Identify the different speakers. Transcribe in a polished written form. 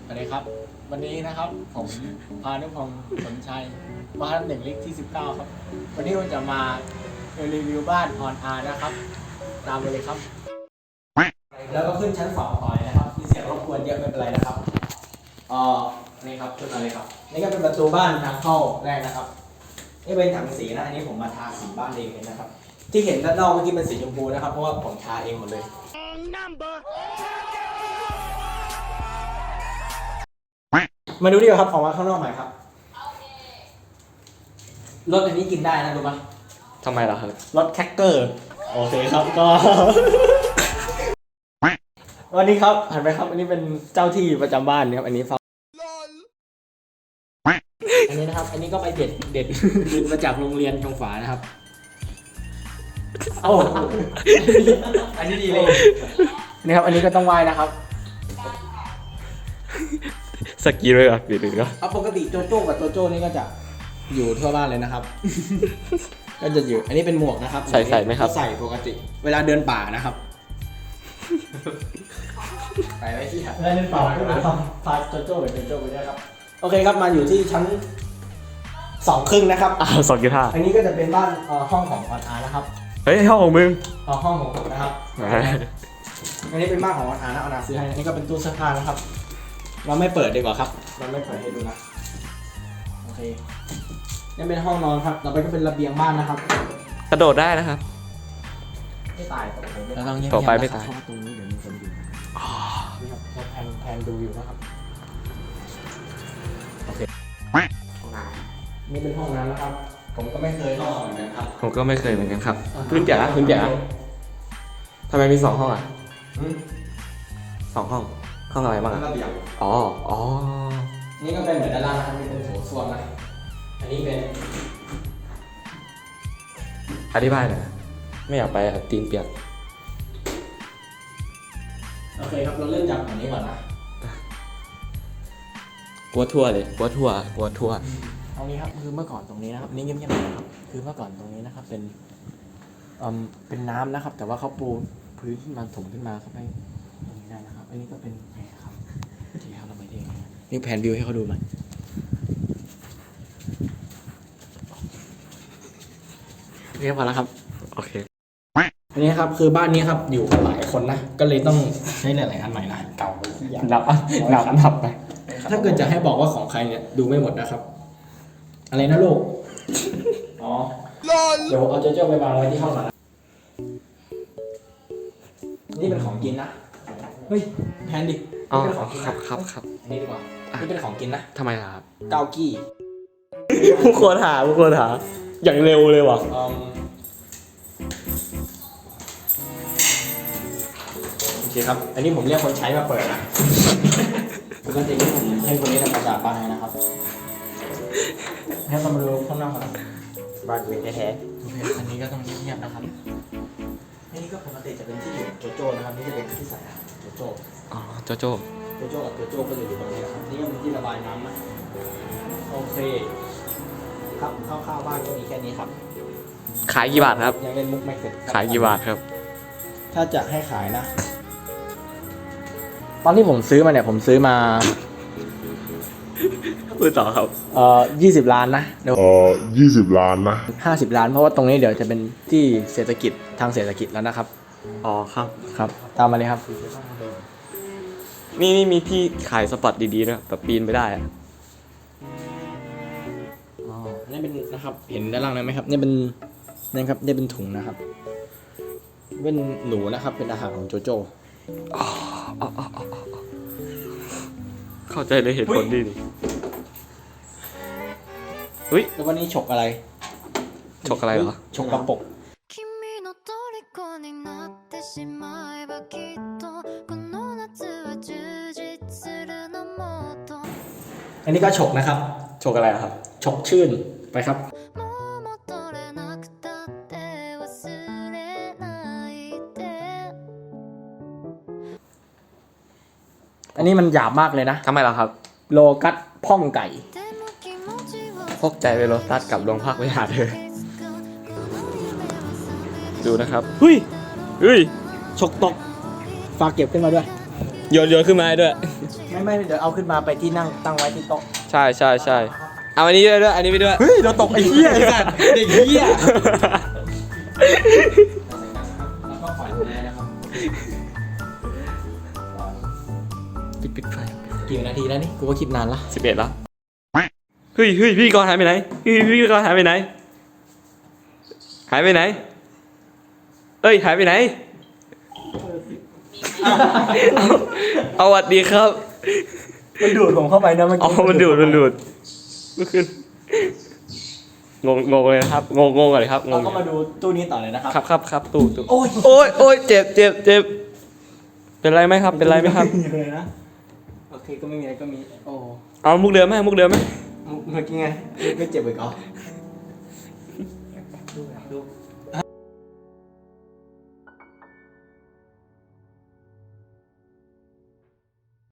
Speaker 1: สวัสดีครับวันนี้นะครับผมพานุพงศ์สนชัยบ้าน1 ลิกที่ 19ครับวันนี้ผมจะมารีวิวบ้านออนอาร์นะครับตามไปเลยครับแล้วก็ขึ้นชั้น2ต่อเลยนะครับมีเสียงรบกวนเยอะไม่เป็นไรนะครับนี่ครับขึ้นมาเลยครับนี่ก็เป็นประตูบ้านทางเข้าแรกนะครับนี่เป็นถังสีนะอันนี้ผมมาทาสีบ้านเองเลยนะครับที่เห็นด้านนอกเมื่อกี้เป็นสีชมพูนะครับเพราะว่าผมทาเองหมดเลยมาดูดีกว่าครับออกมาข้างนอกหน่อยครับรถอันนี้กินได้นะรู้ปะ
Speaker 2: ทำไมล่ะครับ
Speaker 1: รถแคคเกอร์โอเคครับก็ วันนี้ครับหันไปครับอันนี้เป็นเจ้าที่ประจำบ้านนะครับอันนี้ฟังอันนี้นะครับอันนี้ก็ไปเด็ดมาจากโรงเรียนชงฝานะครับเอาอันนี้ดีเลยนี่ครับอันนี้ก็ต้องไหว้นะครับ
Speaker 2: สกีเลยอ่ะหรือก็
Speaker 1: เอาปกติโจโจ้กับโจโจ้นี่ก็จะอยู่ทั่วบ้านเลยนะครับ ก็จะอยู่อันนี้เป็นหมวกนะครับ
Speaker 2: ใส่ไหมครับ
Speaker 1: ใส่ปกติเวลาเดินป่านะครับไปไว้ที่เวลาเดินป่าก็พาโจโจ้ไปโจโจ้ไปด้วยครับโอเคครับมาอยู่ที่ชั้น2 ครึ่งนะครับ
Speaker 2: 2.5
Speaker 1: อันนี้ก็จะเป็นบ้านห้องของออนอาร์นะครับ
Speaker 2: เฮ้ยห้องของมึง
Speaker 1: ห้องของผมนะครับอันนี้เป็นบ้านของออนอาร์นะออนอาร์ซื้อให้อันนี้ก็เป็นตู้เสื้อผ้านะครับเราไม่เปิดดีกว่าครับเราไม่เปิดให้ดูนะโอเคนี่เป็นห้องนอนครับต่อไปก็เป็นระเบียงบ้านนะครับ
Speaker 2: กระโดดได้นะครับ
Speaker 1: ไม่ตายเราต้อง
Speaker 2: ต่อไปไม่ตาย
Speaker 1: เพราะว่าตรงนี้เดี๋ยวมีคนอยู่นี่ครับเราแพนดูอยู่นะครับโอเคห้องน้ำนี่เป็นห้องน้ำนะครับผมก็ไม่เคยเข้าเหมือนกันครับ
Speaker 2: ผมก็ไม่เคยเหมือนกันครับพื้นจ๋าทำไมมี2 ห้องอ่ะ2 ห้องห้องอะไรบ้าง
Speaker 1: แล้ว
Speaker 2: อ่ะ
Speaker 1: ระเบียง
Speaker 2: อ๋อ
Speaker 1: นี่ก็เป็นเหมือนด้านล่างนะครับนี่เป็นโถส้วมนะอันนี้เป็น
Speaker 2: อธิบายหน่อยไม่อยากไปอ่ะตีนเปียก
Speaker 1: โอเคครับเราเริ่มจากอันนี้ก่อนนะ
Speaker 2: กลัวทั่วเลยกลัวทั่ว
Speaker 1: ตรงนี้ครับคือเมื่อก่อนตรงนี้นะครับนี่เงียบๆนะครับคือเมื่อก่อนตรงนี้นะครับเป็นน้ำนะครับ แต่ว่าเขาปูพื้นขึ้นมาถมขึ้นมาเข้าไปตรงนี้ได้นะครับอันนี้ก็เป็นแผลครับที่เขาเราไม่ได้นี่แผนวิวให้เขาดูหน่อยเรียบร้อยแล้วครับ
Speaker 2: โอเค
Speaker 1: อันนี้ครับคือบ้านนี้ครับอยู่กันหลายคนนะก็เลยต้องใช้หลายๆอันใหม่นะเก่าไปที่อย่าง
Speaker 2: นับไป
Speaker 1: ถ้าเกิดจะให้บอกว่าของใครเนี่ยดูไม่หมดนะครับ อะไรนะลูก อ๋อ เดี๋ยวเอาเจ้าไปวางไว้ที่ห้องก่อนนะนี่เป็นของกินนะ เฮ้ยแพนดิ
Speaker 2: อ๋อ
Speaker 1: นี่เป็นของกิน
Speaker 2: ครั
Speaker 1: นะ
Speaker 2: บครับครับ
Speaker 1: อันนี้ดีกว่า นี่เป็นของกินนะ
Speaker 2: ทำไมล่ะครับ
Speaker 1: เกากี้
Speaker 2: ผู้ควรหาอย่างเร็วเลยว่ะ
Speaker 1: โอเคครับ อันนี้ผมเรียกคนใช้มาเปิดนะปกติที่ผมให้คนนี้ทำความสะอาดบ้านให้นะครับ ให้เรามาดูข้างนอกก่อน
Speaker 2: บ้านเป็นแท้
Speaker 1: โอเคอันนี้ก็ต้องเงียบๆนะครับ อันนี้ก็ปกติจะเป็นที่อยู่โจโจ้นะครับ นี่จะเป็นที่ใส่อาหารโจโจ้
Speaker 2: อ๋อโจโจ
Speaker 1: โจโจ้กับโจโจ้ก็จะอยู่ตรงนี้นะครับ นี่ก็เป็นที่ระบายน้ำนะโอเค ครับคร่าวๆบ้านก็มีแค่นี้ครับ
Speaker 2: ขายกี่บาทครับ
Speaker 1: ยังเล่นมุกไม่เสร็จครับ
Speaker 2: ขายกี่บาทครับ
Speaker 1: ถ้าจะให้ขายนะ ตอนที่ผมซื้อมาเนี่ยผมซื้อมา
Speaker 2: พูดต่อครับ
Speaker 1: 20 ล้านนะเดี๋ยว
Speaker 3: 20 ล้านนะ
Speaker 1: 50 ล้านเพราะว่าตรงนี้เดี๋ยวจะเป็นที่เศรษฐกิจทางเศรษฐกิจแล้วนะครับ
Speaker 2: อ๋อครับ
Speaker 1: ครับ ตามมาเลยครับ
Speaker 2: นี่มีที่ขายสปอตดีๆนะแบบปีนไม่ได้อะ
Speaker 1: อ๋อ นี่เป็นนะครับ เห็นด้านล่างนั้นไหมครับ นี่เป็นนี่ครับ นี่เป็นถุงนะครับ เป็นหนูนะครับ เป็นอาหารของโจโจ้
Speaker 2: เข้าใจเลยเหตุผลดีดิอุ้ย
Speaker 1: แล้ววันนี้ฉกอะไร
Speaker 2: ฉกอะไรเหรอ
Speaker 1: ฉกกระปก
Speaker 4: 君の虜になってしまえばきっとこの夏は充実するのもっと
Speaker 1: อันนี้ก็ฉกนะครับ
Speaker 2: ฉกอะไรอะครับ
Speaker 1: ฉกชื่นไปครับ
Speaker 4: もう戻れなくたって忘れないで
Speaker 1: อันนี้มันหยาบมากเลยนะ
Speaker 2: ทำไมล่ะครับ
Speaker 1: โลกัสพ่องไก่
Speaker 4: でも気持ちは
Speaker 2: พกใจไปรถตัดกับโรงพักไปหาเธอ
Speaker 4: いつかこの夢は覚め
Speaker 2: ดูนะครับเฮ้ย
Speaker 1: ฉกตก ฝากเก็บขึ้นมาด้วย
Speaker 4: て
Speaker 2: โยนขึ้นมาให้ด้วย
Speaker 1: ไม่เดี๋ยวเอาขึ้นมาไปที่นั่งตั้งไว้ที่โต๊ะ
Speaker 2: ใช่เอาอันนี้ด้วยอันนี้ไปด้วย
Speaker 1: เฮ้ยเราตกไอ้เหี้ยไอ้สัตว์เด็กเหี้ยแล้วก็ปล่อยเลยนะครับ
Speaker 2: ปิดไฟ
Speaker 1: กี่นาทีแล้วนี่กูก็คิดนานละ
Speaker 2: 11แล้วเฮ้ยพี่กรณ์หายไปไหนพี่กรณ์หายไปไหนหายไปไหนเอ้ยหายไปไหนเอาสวัสดีครับ
Speaker 1: มันดูดผมเข้าไปนะเมื่อ
Speaker 2: อ๋อ
Speaker 1: กี้
Speaker 2: มันดูดเมื่อคืนงงเลยนะครับงงอะไรครับง
Speaker 1: เรา
Speaker 2: ง
Speaker 1: ก็มาดูตู้นี้ต่อเลยนะครับ
Speaker 2: ครับตู้
Speaker 1: โอ้ย
Speaker 2: โอ้ยเจ็บเป็นไรไหมครับเป็นไรไหมครับ
Speaker 1: ไม่มีเลยนะโอเคก็ไม่มีอะไรก็มีโอ้
Speaker 2: เอามุกเดิมไหม
Speaker 1: เมื่อกี้ไงไม่เจ็บอีกเหรอ